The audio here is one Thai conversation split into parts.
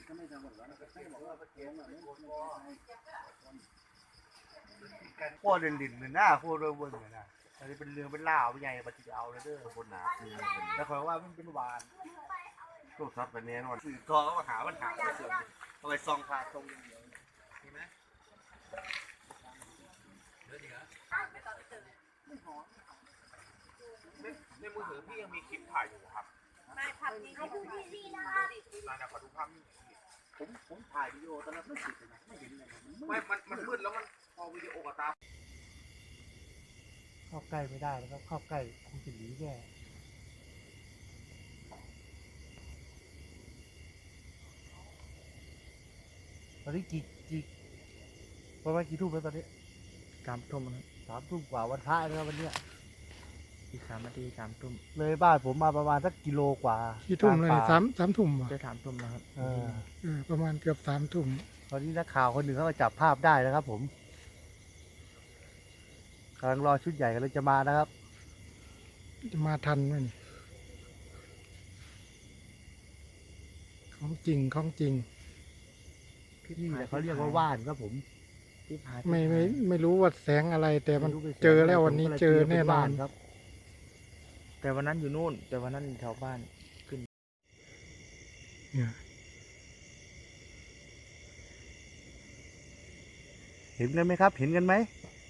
พวกเด่นๆเนี่ยหน้าพวกเรื่องบนเนี่ยนะอันนี้เป็นเรื่องเป็นล่าใหญ่ปฏิเอาเลยเด้อบนหนาแล้วคอยว่ามันเป็นวานตัวซับไปแน่นอนสื่อทอก็มาหาปัญหาไปส่วนเอาไปซองพาตรงอย่างเดียวเห็นไหมในมือถือพี่ยังมีคลิปถ่ายอยู่ครับไม่ภาพนี้ดูดีๆนะคะมาขอดูภาพนี้ผมถ่ายวิดีโอตอนนั้นไม่ติดเลยนะไม่เห็นเลยมันมืดแล้วมันพอวิดีโอกับตาเข้าใกล้ไม่ได้แล้วเข้าใกล้คงจะหนีแย่ตอนนี้กี่ประมาณกี่ทุ่มแล้วตอนนี้ 3 ทุ่มครับ 3 ทุ่มกว่าวันพระแล้ววันเนี้ยอีก3 นาที3 ทุ่มเลยบ้านผมมาประมาณสักกิโลกว่ากี่ทุ่มเลยสามทุ่มจะ3 ทุ่มแล้วครับประมาณเกือบ3 ทุ่มตอนนี้นักข่าวคนหนึ่งเขาก็จับภาพได้นะครับผมกำลังรอชุดใหญ่กันเลยจะมานะครับจะมาทันไหมนี่ของจริงนี่แหละเขาเรียกว่าว่านครับผมไม่รู้ว่าแสงอะไรแต่มันเจอแล้ววันนี้เจอแน่นอนครับแต่วันนั้นอยู่นู่นแต่วันนั้นแถวบ้านขึ้นเห็นกันไหมครับเห็นกันไหม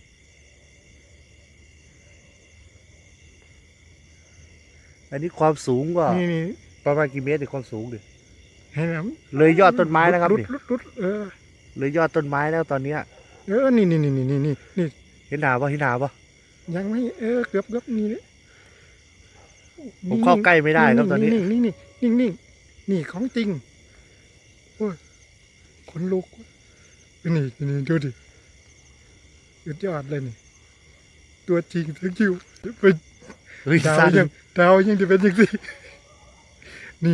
อันนี้ความสูงก็ประมาณกี่เมตรความสูงดิเลยยอดต้นไม้นะครับนี่เลยยอดต้นไม้แล้วตอนเนี้ยนี่เห็นหนาปะยังไม่เกือบนี่เลยผมเข้าใกล้ไม่ได้ครับตอนนี้นี่ของจริงโอ้ยขนลุกนี่ดูดิสุดยอดเลยนี่ตัวจริงทั้งคิวเป็นดาวยังจะเป็นยังสินี่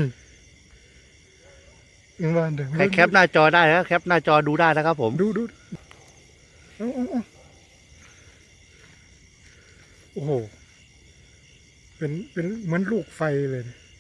บ้านเดิมใครแคปหน้าจอได้นะแคปหน้าจอดูได้นะครับผมดูโอ้โหเป็นเหมือนลูกไฟเลย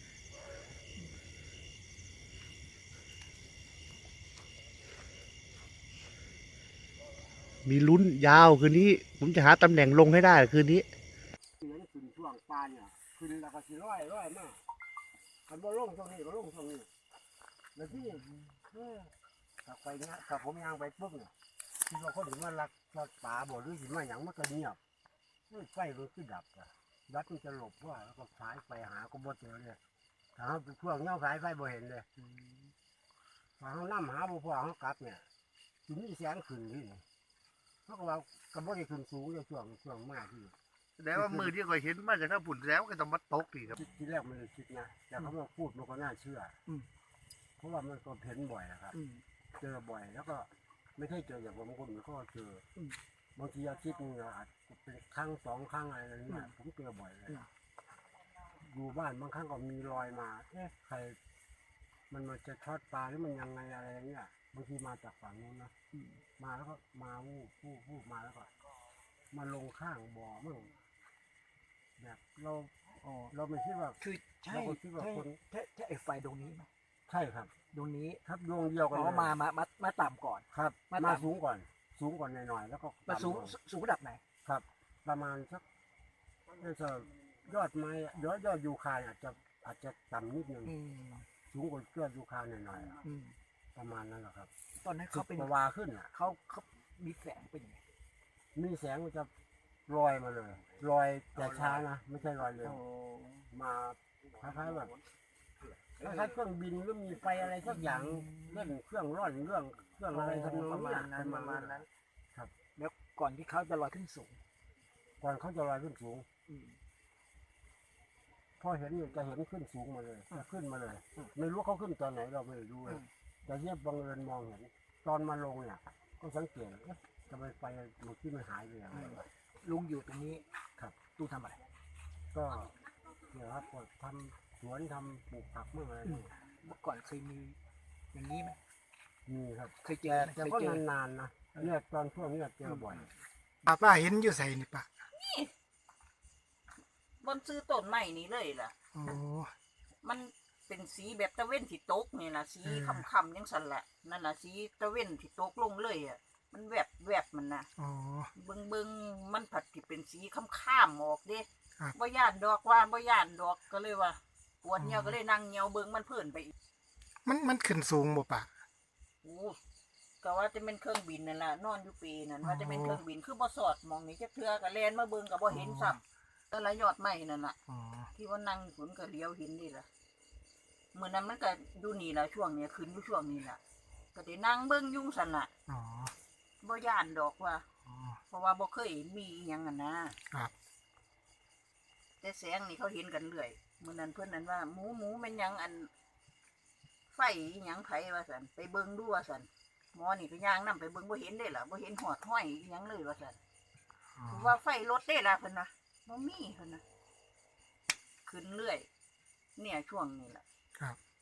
มีลุ้นยาวคืนนี้ผมจะหาตำแหน่งลงให้ได้คืนนี้ขึ้นช่วงปานเนี่ยขึ้นแล้วก็สิร้อยมากคันบ่ลงตรงนี้ก็ลงตรงนี้แล้วที่ถ้าไปเนี้ยถ้าผมยางไปปุ๊บเนี่ยคิดว่าเขาถึงมาลักป่าบ่หรือถึงมาอย่างมันก็เงียบไฟมันคือดับอะดับมันจะหลบว่าแล้วก็สายไปหาก็บ่เจอเลยถ้าเขาช่วงเงาสายไฟบ่เห็นเลยถ้าเขานั่งหาบ่พอเขากลับเนี่ยถึงมีแสงขึ้นที่นี่เพราะว่ากระบอกได้ขึ้นสูงเลยช่วงมากที่แสดงว่ามือที่เคยเห็นมาจากข้างปุ่นแล้วก็ต้องมาตกดีครับที่แรกมันเลยคิดนะแต่เขามาพูดมันก็น่าเชื่อเพราะว่ามันก็เห็นบ่อยนะครับเจอบ่อยแล้วก็ไม่ใช่เจออย่างบางคนมันก็เจอบางทีอาทิตย์นึงอาจจะเป็นครั้ง2 ครั้งอะไรอย่างเงี้ยผมเจอบ่อยเลยอยู่บ้านบางครั้งก็มีรอยมาใครมันจะช็อตปลาหรือมันยังไงอะไรอย่างเงี้ยบางทีมาจากฝั่งนู้นนะมาแล้วก็มาวูบมาแล้วก็มาลงข้างบ่อมั่งแบบเราไม่คิดว่าคือใช่ไอ้ไฟดวงนี้ไหมใช่ครับดวงนี้ครับดวงเดียวกันมาต่ำก่อนครับมาสูงก่อนหน่อยแล้วก็มาสูงระดับไหนครับประมาณสักจะยอดไม้ยอดยูคาอาจจะต่ำนิดนึงสูงกว่ายอดยูคาหน่อยประมาณนั้นแหละครับตอนนั้นเขาเป็นวาขึ้นอ่ะเขามีแสงเป็นยังไงมีแสงมันจะลอยมาเลยลอยแต่ช้านะไม่ใช่ลอยเร็วมาคล้ายๆแบบคล้ายๆเครื่องบินหรือมีไฟอะไรสักอย่างเล่นเครื่องร่อนเครื่องอะไรทำนองประมาณนั้นครับแล้วก่อนที่เขาจะลอยขึ้นสูงก่อนเขาจะลอยขึ้นสูงพอเห็นจะเห็นขึ้นสูงมาเลยขึ้นมาเลยไม่รู้เขาขึ้นตอนไหนเราไม่รู้เลยแต่เยี่ยมบังเอิญมองเห็นตอนมาลงเนี่ยก็สังเกตทำไมไฟมันที่มันหายไปอย่างไรลุงอยู่ตรงนี้ครับตู้ทำอะไรก็เนี่ยครับทำสวนทำปลูกผักเมื่อไรเมื่อก่อนเคยมีอย่างนี้ไหมมีครับเคยเจอแต่ก็นานๆนะเนี่ยตอนช่วงนี้เจอบ่อยป้าเห็นอยู่ใส่นี่ป้านี่บนซื้อต้นใหม่นี้เลยล่ะโอ้มันเป็นสีแบบตะเว้นที่ตกนี่ล่ะสีค่ำๆจังซั่นแหละนั่นล่ะสีตะเว้นที่ตกลงเลยอ่ะมันแวบมันน่ะอ๋อเบิ่งมันผัดที่เป็นสีค่ำๆออกเด้ครับบ่ย่านดอกว่าบ่ย่านดอกก็เลยว่าปวดเหี่ยวก็เลยนั่งเหี่ยวเบิ่งมันเพิ่นไปอีกมันขึ้นสูงบ่ปะโอ้ก็ว่าจะเป็นเครื่องบินนั่นล่ะนอนอยู่ปีนั่นว่าจะเป็นเครื่องบินคือบ่สอดมองนี่จักเทื่อก็แล่นมาเบิ่งก็บ่เห็นซ้ำแต่ละยอดไม้นั่นล่ะอ๋อที่ว่านั่งฝนก็เลี้ยวเห็นนี่ล่ะมื้อนั้นมันก็อยู่นี่ล่ะช่วงเนี้ยขึ้นอยู่ช่วงนี้ล่ะก็ได้นั่งเบิ่งอยู่ซั่นล่ะอ๋อบ่ย่านดอกว่าอ๋อเพราะว่าบ่เคยมีอิหยังอ่ะนะครับ แต่แสงนี่เขาเห็นกันเรื่อยมื้อนั้นเพิ่นนั้นว่าหมูแม่นหยังอันไฟอิหยังไผว่าซั่นไปเบิ่งดูว่าซั่นหมอนี่ก็ย่างนํไปเบิ่งบ่เห็นเด้ล่ะบ่เห็นหอดห้อยอิหยังเลยว่าซั่นอ๋อว่าไฟรถได้ล่ะเพิ่นนะบ่มีเพิ่นนะขึ้นเรื่อย เนี่ยช่วงนี้ล่ะครับ